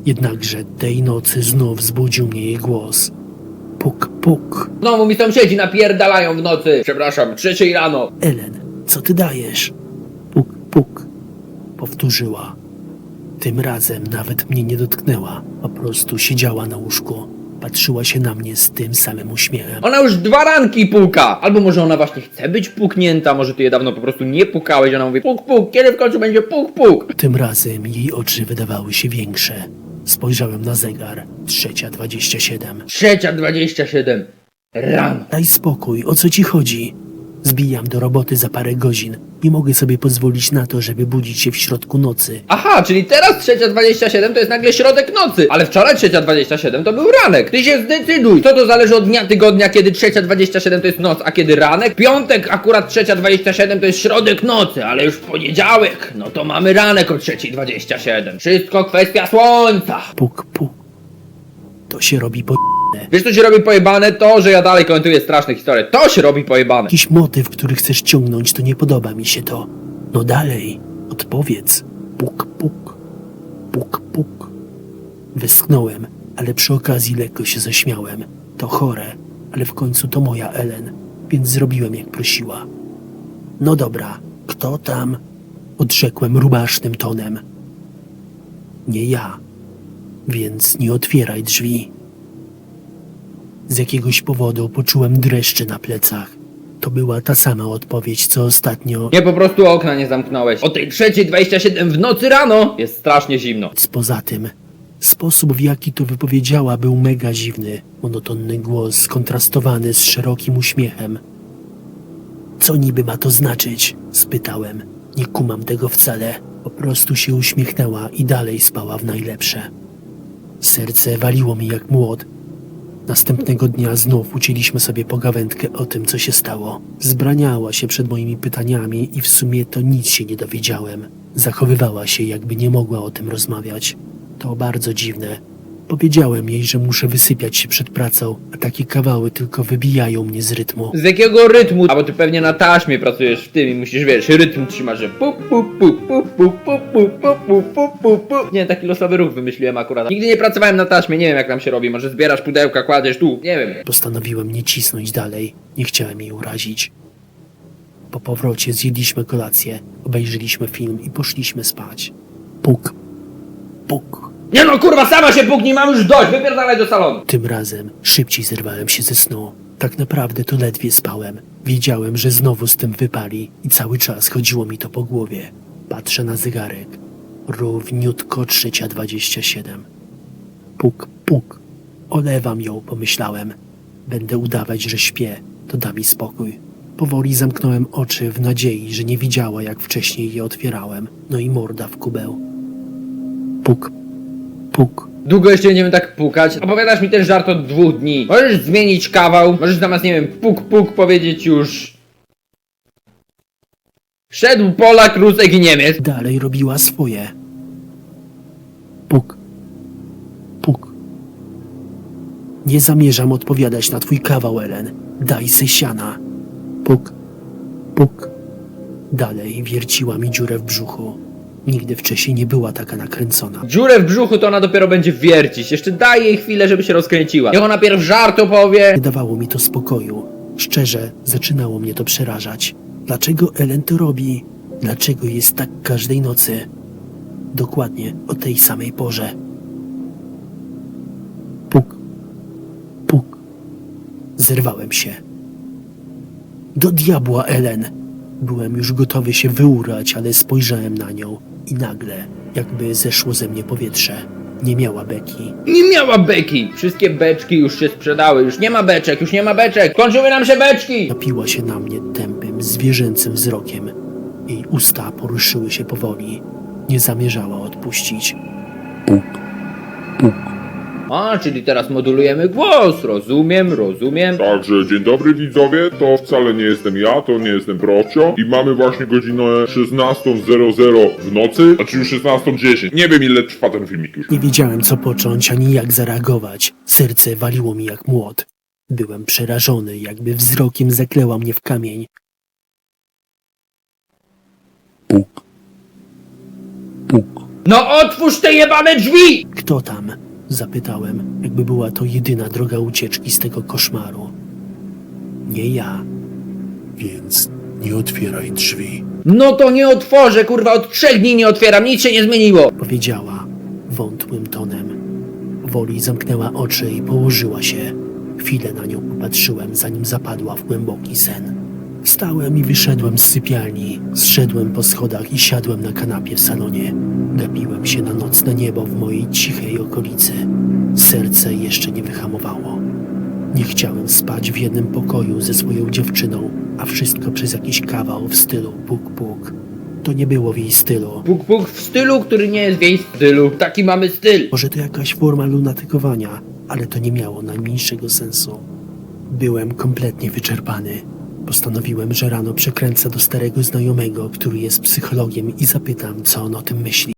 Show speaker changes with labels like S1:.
S1: Jednakże tej nocy znów zbudził mnie jej głos. Puk, puk.
S2: Znowu mi sąsiedzi napierdalają w nocy. Przepraszam, 3 rano.
S1: Ellen, co ty dajesz? Puk, puk. Powtórzyła. Tym razem nawet mnie nie dotknęła. Po prostu siedziała na łóżku. Patrzyła się na mnie z tym samym uśmiechem.
S2: Ona już 2 ranki puka. Albo może ona właśnie chce być puknięta, może ty je dawno po prostu nie pukałeś. Ona mówi puk, puk, kiedy w końcu będzie puk, puk?
S1: Tym razem jej oczy wydawały się większe. Spojrzałem na zegar. 3:27.
S2: 3:27 rano.
S1: Daj spokój, o co ci chodzi? Zbijam do roboty za parę godzin. Nie mogę sobie pozwolić na to, żeby budzić się w środku nocy.
S2: Aha, czyli teraz 3:27 to jest nagle środek nocy. Ale wczoraj 3:27 to był ranek. Ty się zdecyduj. Co to zależy od dnia tygodnia, kiedy 3:27 to jest noc, a kiedy ranek? Piątek akurat 3:27 to jest środek nocy, ale już w poniedziałek, no to mamy ranek o 3:27. Wszystko kwestia słońca.
S1: Puk, puk. To się robi po...
S2: Wiesz co się robi pojebane? To, że ja dalej komentuję straszne historie. To się robi pojebane.
S1: Jakiś motyw, który chcesz ciągnąć, to nie podoba mi się to. No dalej, odpowiedz. Puk, puk. Puk, puk. Westchnąłem, ale przy okazji lekko się zaśmiałem. To chore, ale w końcu to moja Ellen, więc zrobiłem jak prosiła. No dobra, kto tam? Odrzekłem rubasznym tonem. Nie ja, więc nie otwieraj drzwi. Z jakiegoś powodu poczułem dreszcze na plecach. To była ta sama odpowiedź, co ostatnio.
S2: Nie, po prostu okna nie zamknąłeś. O tej 3:27 w nocy rano jest strasznie zimno.
S1: Poza tym, sposób w jaki to wypowiedziała był mega dziwny. Monotonny głos skontrastowany z szerokim uśmiechem. Co niby ma to znaczyć? Spytałem. Nie kumam tego wcale. Po prostu się uśmiechnęła i dalej spała w najlepsze. Serce waliło mi jak młot. Następnego dnia znów ucięliśmy sobie pogawędkę o tym, co się stało. Zbraniała się przed moimi pytaniami i w sumie to nic się nie dowiedziałem. Zachowywała się, jakby nie mogła o tym rozmawiać. To bardzo dziwne. Powiedziałem jej, że muszę wysypiać się przed pracą, a takie kawały tylko wybijają mnie z rytmu.
S2: Z jakiego rytmu? A bo ty pewnie na taśmie pracujesz w tym i musisz, wiesz, rytm trzymasz, że pu pu pu pu pu pu pu pu pu pu pu pu. Nie, taki losowy ruch wymyśliłem akurat. Nigdy nie pracowałem na taśmie, nie wiem jak tam się robi. Może zbierasz pudełka, kładziesz tu, nie wiem.
S1: Postanowiłem nie cisnąć dalej. Nie chciałem jej urazić. Po powrocie zjedliśmy kolację, obejrzeliśmy film i poszliśmy spać. Puk, puk.
S2: Nie no kurwa, sama się puknij, mam już dość, wypierdalaj do salonu.
S1: Tym razem szybciej zerwałem się ze snu. Tak naprawdę to ledwie spałem. Wiedziałem, że znowu z tym wypali i cały czas chodziło mi to po głowie. Patrzę na zegarek. Równiutko 3:27. Puk, puk. Olewam ją, pomyślałem. Będę udawać, że śpię. To da mi spokój. Powoli zamknąłem oczy w nadziei, że nie widziała, jak wcześniej je otwierałem. No i morda w kubeł. Puk, puk.
S2: Długo jeszcze będziemy tak pukać? Opowiadasz mi ten żart od 2 dni. Możesz zmienić kawał, możesz zamiast, nie wiem, puk puk powiedzieć już... Szedł Polak, Rusek i Niemiec.
S1: Dalej robiła swoje. Puk, puk. Nie zamierzam odpowiadać na twój kawał, Ellen. Daj se siana. Puk, puk. Dalej wierciła mi dziurę w brzuchu. Nigdy wcześniej nie była taka nakręcona.
S2: Dziurę w brzuchu to ona dopiero będzie wiercić. Jeszcze daj jej chwilę, żeby się rozkręciła. Niech ona pierw żart opowie.
S1: Nie dawało mi to spokoju. Szczerze, zaczynało mnie to przerażać. Dlaczego Ellen to robi? Dlaczego jest tak każdej nocy? Dokładnie o tej samej porze. Puk, puk. Zerwałem się. Do diabła, Ellen! Byłem już gotowy się wyurać, ale spojrzałem na nią i nagle, jakby zeszło ze mnie powietrze. Nie miała beki.
S2: Nie miała beki. Wszystkie beczki już się sprzedały. Już nie ma beczek, już nie ma beczek. Kończyły nam się beczki.
S1: Napiła się na mnie tępym, zwierzęcym wzrokiem. Jej usta poruszyły się powoli. Nie zamierzała odpuścić. Puk, puk.
S2: A, czyli teraz modulujemy głos. Rozumiem, rozumiem.
S3: Także dzień dobry widzowie, to wcale nie jestem ja, to nie jestem Procio i mamy właśnie godzinę 16:00 w nocy, znaczy już 16:10. Nie wiem ile trwa ten filmik już.
S1: Nie wiedziałem, co począć, ani jak zareagować. Serce waliło mi jak młot. Byłem przerażony, jakby wzrokiem zakleła mnie w kamień. Puk, puk.
S2: No otwórz te jebane drzwi!
S1: Kto tam? Zapytałem, jakby była to jedyna droga ucieczki z tego koszmaru. Nie ja.
S4: Więc nie otwieraj drzwi.
S2: No to nie otworzę, kurwa, od 3 dni nie otwieram, nic się nie zmieniło.
S1: Powiedziała wątłym tonem. Woli zamknęła oczy i położyła się. Chwilę na nią popatrzyłem, zanim zapadła w głęboki sen. Wstałem i wyszedłem z sypialni. Zszedłem po schodach i siadłem na kanapie w salonie. Gapiłem się na nocne niebo w mojej cichej okolicy. Serce jeszcze nie wyhamowało. Nie chciałem spać w jednym pokoju ze swoją dziewczyną, a wszystko przez jakiś kawał w stylu puk-puk. To nie było w jej stylu.
S2: Puk puk w stylu, który nie jest w jej stylu. Taki mamy styl.
S1: Może to jakaś forma lunatykowania, ale to nie miało najmniejszego sensu. Byłem kompletnie wyczerpany. Postanowiłem, że rano przekręcę do starego znajomego, który jest psychologiem i zapytam, co on o tym myśli.